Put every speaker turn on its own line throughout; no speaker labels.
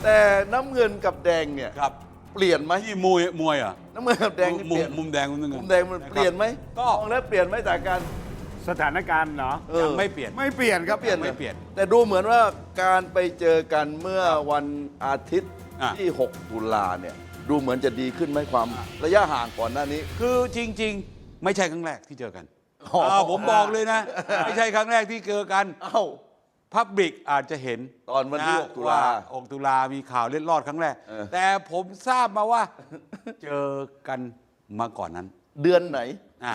แต่น้ำเงินกับแดงเนี่ย
ครับ
เปลี่ยนไหม
ที่มวยอ่ะ
น้ำเงินกับแดงนี่เปลี่ยน
มุมแดงมุมนึง
มุมแดงมันเปลี่ยนไหม
ก็
มองแล้วเปลี่ยนไหมจากการ
สถานการณ์เนาะ
ยังไม่เปลี่ยน
ไม่เปลี่ยนครับ
เปลี่ยน
ไม่เปลี่ยน
แต่ดูเหมือนว่าการไปเจอกันเมื่อวันอาทิตย์
อ่ะ
ที่ 6 ตุลาเนี่ยดูเหมือนจะดีขึ้นไหมความระยะห่างก่อนหน้านี้
คือจริง ๆ ไม่ใช่ครั้งแรกที่เจอกัน
อ๋อ
ผมบอกเลยนะ ไม่ใช่ครั้งแรกที่เจอกัน
เอ้า
พับบิกอาจจะเห็น
ตอนวันที่
ะ
6 ตุลา
ว่6 ตุลามีข่าวเล็ดลอดครั้งแรก
เออ
แต่ผมทราบมาว่า เจอกันมาก่อนนั้น
เดือนไหน
อ่ะ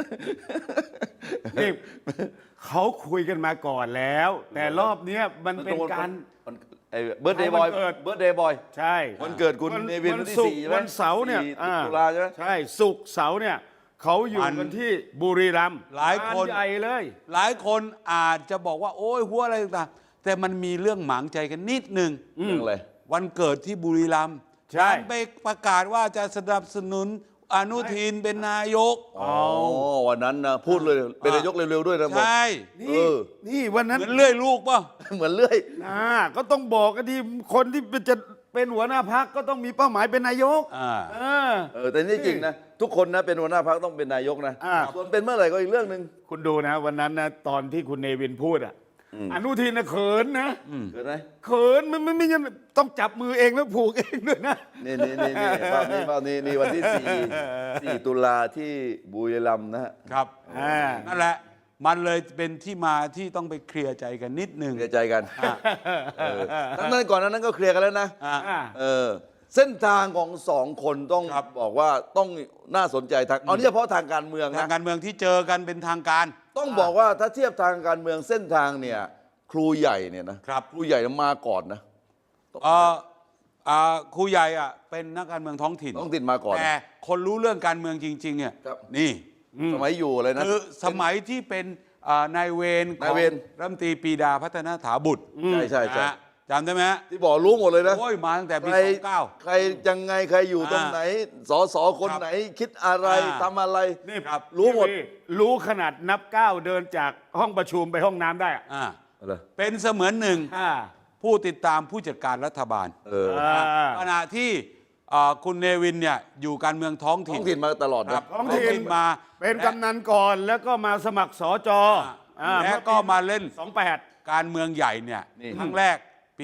นี่เขาคุยกันมาก่อนแล้ว แต่รอบเนี้ยมันเป็นการ
เบิร์ดเดย์บอย
วันเกิด
เบิร์ดเดย์บอย
ใช่
วันเกิดคุณเนวินวันที่
ศุก
4
ร์
ใช่ไหม
วันเสาร์เนี่ย
4 ตุลาใช่ไหม
ใช่ศุกร์เสาร์เนี่ยเขาอยู่กันที่บุรีรัมย์
หลายคน
งใหญ่เลย
หลายคนอาจจะบอกว่า โอ้ยหัวอะไรต่างๆแต่มันมีเรื่องหมางใจกันนิดนึง
เรื่องอะไร
วันเกิดที่บุรีรัมย์
ใช่
การไปประกาศว่าจะสนับสนุนอนุทินเป็นนายก
อ๋อ วันนั้นนะพูดเลยเป็นนายกเร็วๆด้วยนะบอก
ใช่
นี่นี่วันนั้น
เหมือนเลื่อยลูกป่ะ
เหมือนเลื่อย
ก็ต้องบอกกันที่คนที่จะเป็นหัวหน้าพักก็ต้องมีเป้าหมายเป็นนายก
อ่า
แต่นี่จริงนะทุกคนนะเป็นหัวหน้าพรรคต้องเป็นนายกนะ
อ่า
ส่วนเป็นเมื่อไหร่ก็อีกเรื่องหนึ่ง
คุณดูนะวันนั้นนะตอนที่คุณเนวินพูดอนุทินนะเขินนะ
เกิดไหม
เขินมันไม่ยังต้องจับมือเองแล้วผูกเองด้วยนะ
นี่ภาพนี้วันที่ 4 ตุลาที่บุรีรัมย์นะฮะ
ครับ
อ่า
นั่นแหละ มันเลยเป็นที่มาที่ต้องไปเคลียร์ใจกันนิดนึง
เคลียร์ใจกันทั้งนั้นก่อนนั้นก็เคลียร์กันแล้วนะ
อ่า
เส้นทางของสองคนต้อง
ครับ
บอกว่าต้องน่าสนใจทางเอานี่เฉพาะทางการเมือง
ทาง
นะ
การเมืองที่เจอกันเป็นทางการ
ต้องบอกว่าถ้าเทียบทางการเมืองเส้นทางเนี่ยครูใหญ่เนี่ยนะครับ ครูใหญ่มาก่อนนะ
ครูใหญ่อ่ะเป็นนักการเมืองท้องถิ่น
ต้องติดมาก่อน
แต่คนรู้เรื่องการเมืองจริงๆเนี่ย
ครับ
นี่
สมัยอยู่อะไรนะ
คือสมัยที่เป็นนายเวรข
นา
อย ง
เวร
รัฐมนตรีปรีดาพัฒนาถาบุตร
ใช่
นะฮะจำได้ไหมฮะ
ที่บอกรู้หมดเลยนะ
โอ้ยมาตั้งแต่ปี
ใคร
29
ใครยังไงใครอยู่ตรงไหนสคน
ครับ
ไหนคิดอะไร
อ่า
ทำอะไร
นี่
ครับ
รู้หมด
รู้ขนาดนับก้าวเดินจากห้องประชุมไปห้องน้ำได้อะ
อ่า
อะไร
เป็นเสมือนหนึ่ง
อ่า
ผู้ติดตามผู้จัดการรัฐบาล ขณะที่คุณเนวินเนี่ยอยู่การเมืองท้อง
ท้
ถิ่
อน งถิ่นมาตลอด
ครั
นะ
บ
ท้องถิ่น
มา
เป็นกำนันก่อนแล้วก็มาสมัครสจ
แล้วก็มาเล่น
28
การเมืองใหญ่เนี่ย
นี่
ครั้งแรกปี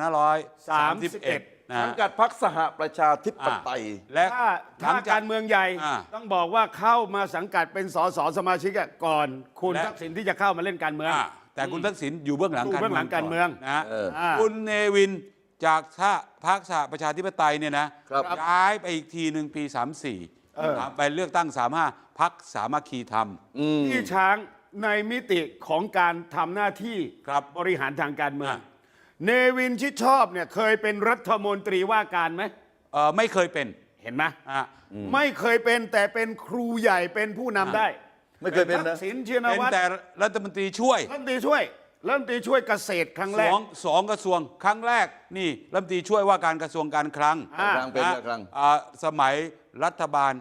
2531 นะ
สังกัดพรรคสหประชาธิปไตย
และ
ถ้าการเมืองใหญ่
อ่า
ต้องบอกว่าเข้ามาสังกัดเป็นสสสมาชิกอะก่อนคุณทักษิณที่จะเข้ามาเล่นการเมือง
แต่คุณทักษิณอยู่เบื้องหลัง
อยู่เบื้องหลังการเมือง
นะ
อ่า
คุณเนวินจากพรรคสหประชาธิปไตยเนี่ยนะครับ ย้ายไปอีกทีหนึ่งปี 34ไปเลือกตั้ง 35พรรคสามัคคีธรรม
ที่ช้างในมิติของการทำหน้าที่
ครับ
บริหารทางการเมือง
อ่า
เนวินชิดชอบเนี่ยเคยเป็นรัฐมนตรีว่าการไหม
ไม่เคยเป็น
เห็นไหม
อ่ะ
ไม่เคยเป็นแต่เป็นครูใหญ่เป็นผู้นำได้
ไม่เคยเป็นนะ
ทักษิณชิน
เป็น
วัตร
แต่รัฐมนตรีช่วย
รัฐมนตรีช่วยเกษตรครั้งแรก
สองกระทรวงครั้งแรกนี่รัฐมนตรีช่วยว่าการกระทรวงการคลัง
อ่า
ครั้งเป็น
นะ
ครั้ง
สมัยรัฐบาล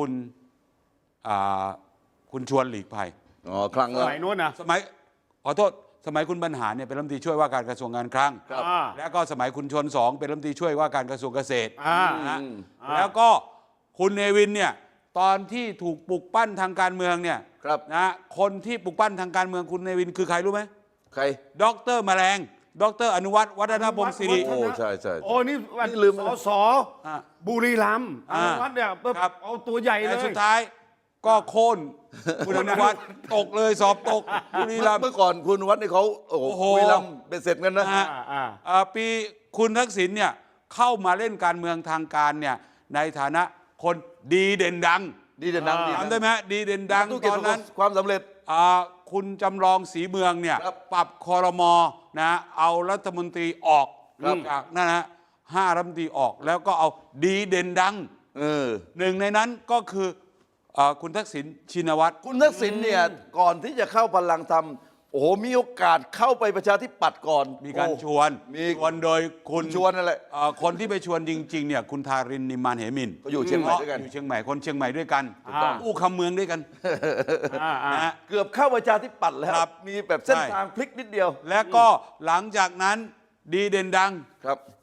คุณชวนหลีกภัย
อ๋อครั้ง
ส
ละ
มัยโน้นนะ
สมัยขอโทษสมัยคุณบรรหารเนี่ยเป็นรัฐมนตรีช่วยว่าการกระทรวงการคลัง
ครับ
อ่า
แล้วก็สมัยคุณชวนสองเป็นรัฐมนตรีช่วยว่าการกระทรวงเกษตร
อ่า
นะฮะแล้วก็คุณเนวินเนี่ยตอนที่ถูกปลุกปั้นทางการเมืองเนี่ย
ครับ
นะคนที่ปลุกปั้นทางการเมืองคุณเนวินคือใครรู้ไหม
ใคร
ดรแมลงดรอนุวัฒน์วัฒนพงศ์สิริ
โอ้ใช่ใช่
โอ้นี่วัน
นี่ลืมไป
ส
แล้ว
ส
อ่า
บุรีรัมย์อ
อ่า
นุวัฒน์เนี่ย
ครับ
เอาตัวใหญ่เล
แต่
ย
สุดท้ายก็โค่นคุณอนุวัฒน์ตกเลยสอบตกบุรีรัมย์
เมื่อก่อนคุณวัดนี่เขาโอ้โห
โอ้โห
คุยลำเป็นเสร็จกันนะ
นะฮะ ปีคุณทักษิณเนี่ยเข้ามาเล่นการเมืองทางการเนี่ยในฐานะคนดีเด่นดัง
ดีเด่นดังดี
จำได้ไหมฮะดีเด่นดัง
ธุร
ต
กิจ
อนนั้น
ความสำเร็จ
คุณจำลองศรีเมืองเนี่ย
ครับ
ปรับคอรมอนะเอารัฐมนตรีออก
ครับ
จากนั่นนะ5 รัฐมนตรีออกแล้วก็เอาดีเด่นดัง หนึ่งในนั้นก็คือคุณทักษิณชินวัตร
คุณทักษิณเนี่ยก่อนที่จะเข้าพลังธรรมโอ้โหมีโอกาสเข้าไปประชาธิปัตย์ก่อน
มีการ
โอ้
ชวน
มี
ชวนโดยคุณ
ชวนนั่นแหละ
คนที่ไปชวนจริงๆเนี่ยคุณทารินนิมมานเหมิน
ก็อยู่เชียงใหม่ด้วยกัน
อยู่เชียงใหม่คนเชียงใหม่ด้วยกัน
ถูกต้อง
อู้คำเมืองด้วยกันนะฮะ
เกือบเข้าประชาธิปัตย์แล้ว
ครับ
มีแบบเส้น
ใช่
ทางพลิกนิดเดียว
และก็หลังจากนั้นดีเด่นดัง
ครับ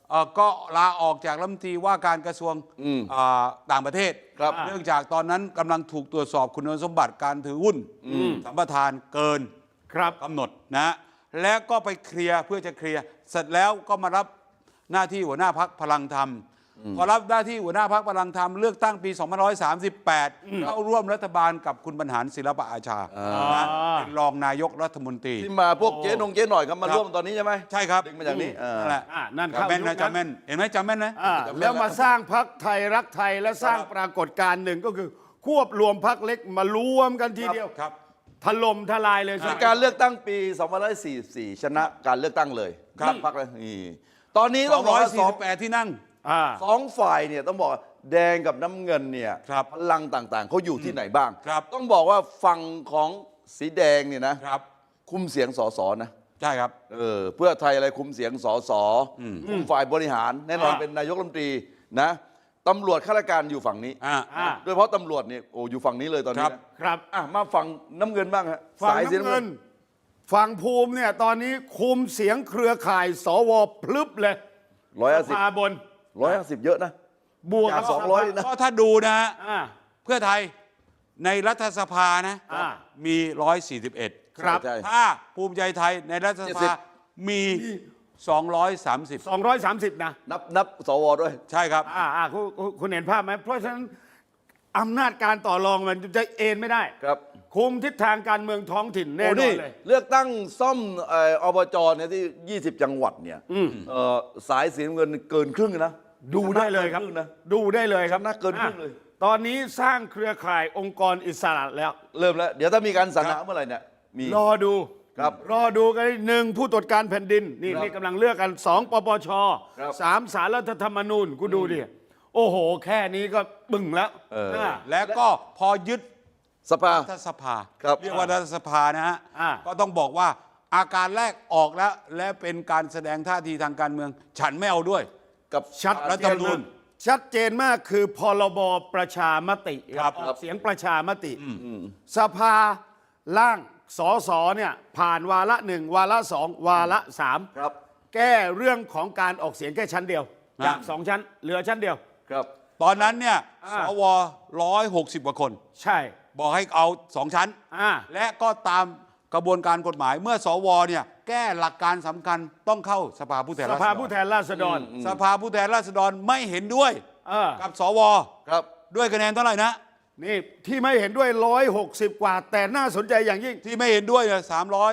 ก็ลาออกจากรัฐมนตรีว่าการกระทรวงต่างประเทศ
ครับ
เนื่องจากตอนนั้นกำลังถูกตรวจสอบคุณสมบัติการถือหุ้นสัมปทานเกิน
ครับ
กำหนดนะแล้วก็ไปเคลียร์เพื่อจะเคลียร์เสร็จแล้วก็มารับหน้าที่หัวหน้าพรรคพลังธรรมพอรับหน้าที่หัวหน้าพรรคพลังธรรมเลือกตั้งปี 2538 เข้าร่วมรัฐบาลกับคุณบรรหารศิลปอาชานะเป็นรองนายกรัฐมนตรี
ที่มาพวกเจ๊นงเจ๊หน่อยครับมา
ครับ
ร่วมตอนนี้ใช่ไหม
ใช่ครับ
ดึงมาจากนี้
นั่นแหละ
นั่น
จำแม่น
เข้ายุ
นะ
คนั้น
จำแม่นเห็นไหมจำแม่นนะ
แล้วมาสร้างพรรคไทยรักไทยและสร้างปรากฏการณ์หนึ่งก็คือควบรวมพรรคเล็กมารวมกันทีเดียว
ครับ
ถล่มทลายเลย
ในการเลือกตั้งปี 2544 ชนะการเลือกตั้งเลย
ครับ
พรรคเลยนี่ตอนนี้ต้องบอกว่าสอง
248 ที่นั่ง
สองฝ่ายเนี่ยต้องบอกว่าแดงกับน้ำเงินเนี่ย
ครับ
พลังต่างๆเขาอยู่ที่ไหนบ้าง
ครับ
ต้องบอกว่าฝั่งของสีแดงเนี่ยนะครับ คุมเสียงสสนะ
ใช่ครับ
เพื่อไทยอะไรคุมเสียงสสคุมฝ่ายบริหารแน่นอนเป็นนายกรัฐมนตรีนะตำรวจข้าราชการอยู่ฝั่งนี้ โดยเฉพาะตำรวจเนี่ยโอ้อยู่ฝั่งนี้เลยตอนนี้นะครับ มาฝั่งน้ำเงินบ้างฮะ
ฝั่ง
สายสี
น้ำเงินฝั่งภูมิเนี่ยตอนนี้คุมเสียงเครือข่ายสวพลึบเลย
150
สภาบน
150 เยอะนะ
บวก
จาก
กับ
200นะ
ก็ถ้าดูนะฮะ
อ่า
เพื่อไทยในรัฐสภานะ มี 141
ครับ
ใช่
ถ้าภูมิใจไทยในรัฐสภามี 230
230 นะ
นับสวด้วย
ใช่ครับ
คุณเห็นภาพไหมเพราะฉะนั้นอำนาจการต่อรองมันจะเอ็นไม่ได้
ครับ
คุมทิศทางการเมืองท้องถิ่นแน่
โอ้
นอ
นี่
นเลย
เลือกตั้งซ่อมอบจเนี่ยที่ 20 จังหวัดเนี่ยสายสีน้ำเงินเกินครึ่งนะ
ดูได้เลยครับ
ชนะกินงนะ
ดูได้เลยครับ
ชนะเกินครึ่งเลย
ตอนนี้สร้างเครือข่ายองค์กรอิสระแล้ว
เริ่มแล้ว เดี๋ยวถ้ามีการสรรหาเมื่อไหร่เนี่ยมี
รอดู
ครับ
รอดูกันหนึ่งผู้ตรวจการแผ่นดินนี่
ครับ
นี่กำลังเลือกกันสองปปช
ครับ
สามศาลรัฐธรรมนูญกูดูดิโอ้โห แค่นี้ก็บึ้งแล้ว
แล้วก็พอยึด
สภา
รัฐสภา
ครับ
เรียกว่ารัฐสภานะฮะ
อ่า
ก็ต้องบอกว่าอาการแรกออกแล้ว และเป็นการแสดงท่าทีทางการเมือง ฉันไม่เอาด้วย
กับ
ชัด
รัฐธรรมนูญ
ชัดเจนมากคือพรบประชามติ
ครับ
ออกเสียงประชามติ สภาร่างสสเนี่ยผ่านวาระหนึ่งวาระสองวาระสาม
ครับ
แก้เรื่องของการออกเสียงแค่ชั้นเดียว จากสองชั้นเหลือชั้นเดียว
ครับ
ตอนนั้นเนี่ย
อ่า
สว160 กว่าคน
ใช่
บอกให้เอาสองชั้น
อ่า
และก็ตามกระบวนการกฎหมายเมื่อสวเนี่ยแก้หลักการสำคัญต้องเข้าสภาผู้แทน
ส
ราษฎร
ภาผู้แทนราษฎร
สภาผู้แทนราษฎรไม่เห็นด้วย กับสว
ครับ
ด้วยคะแนนเท่าไหร่นะ
นี่ที่ไม่เห็นด้วย160 กว่า แต่น่าสนใจอย่างยิ่ง
ที่ไม่เห็นด้วยเนี่ย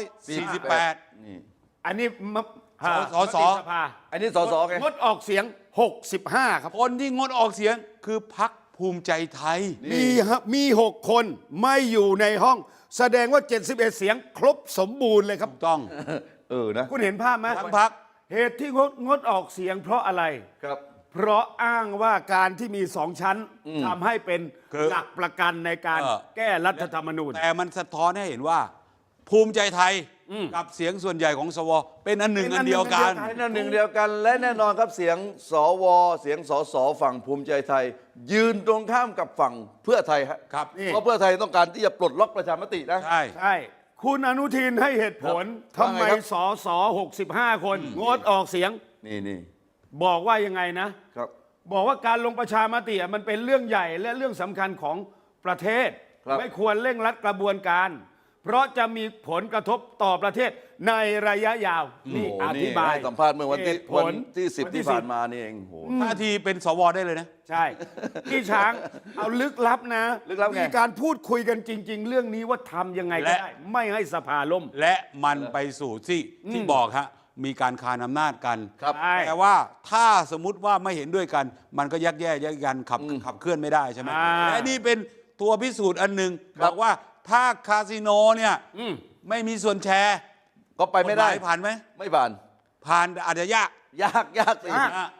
348
นี่
อันนี้ม
สส
มติสภา
อันนี้สสไง
งดออกเสียง 65 ครับ
คนที่งดออกเสียงคือพรรคภูมิใจไทย
มี6 คนไม่อยู่ในห้อง แสดงว่า 71 เสียงครบสมบูรณ์เลยครับ
ต้อง
นะ
คุณเห็นภาพไหม
ทั้งพรรค
เหตุที่งดออกเสียงเพราะอะไร
ครับ
เพราะอ้างว่าการที่มีสองชั้นทำให้เป็น
คือ
หลักประกันในการแก้รัฐธรรมนูญ
แต่มันสะท้อนให้เห็นว่า ภูมิใจไทยกับเสียงส่วนใหญ่ของสว เป็นอันหนึ่ง
เป็นอั
อั
น
น
หนึ่ง
เดียวกัน
อันเดียวกัน
ให้นั่นหนึ่งเดียวกันและแน่นอนครับเสียงสวเสียงสสฝั่งภูมิใจไทย ยืนตรงข้ามกับฝั่งเพื่อไทยฮะ
ครับ
เพราะเพื่อไทยต้องการที่จะปลดล็อกประชามตินะ
ใช่
ใช่ คุณอนุทินให้เหตุผล
ครับ
ทำไม
ว่าไงครับ
สส65 คนงดออกเสียง
นี่
บอกว่ายังไงนะ
ครับ
บอกว่าการลงประชามติมันเป็นเรื่องใหญ่และเรื่องสำคัญของประเทศ
ครับ
ไม่ควรเร่งรัดกระบวนการ เพราะจะมีผลกระทบต่อประเทศในระยะยาว นี่
โโห
อธิบาย
ให้สัมภาษณ์เมื่อวันที่
เหตุผล
10 ที่ผ่านมานี่เองโห
ท่าทีเป็นสวได้เลยนะ
ใช่ พี่ช้างเอาลึกลับนะ
ลึกลับไง
มีการพูดคุยกันจริง ๆ เรื่องนี้ว่าทำยังไงก็
และ
ได้ ไม่ให้สภาล่ม
และมันไปสู่ที่บอกฮะมีการคานอำนาจกัน
ครับ
ใช่
แต่ว่าถ้าสมมติว่าไม่เห็นด้วยกัน มันก็ยักแย่ยักยันขับเคลื่อนไม่ได้ใช่ไหมและนี่เป็นตัวพิสูจน์อันหนึ่งบอกว่าถ้าคาสิโนเนี่ยไม่มีส่วนแชร์
ก็ไปไม่ได้
กฎหายผ่านไหม
ไม่ผ่าน
ผ่านอาจจะยาก
ยากสิ
อ่ะ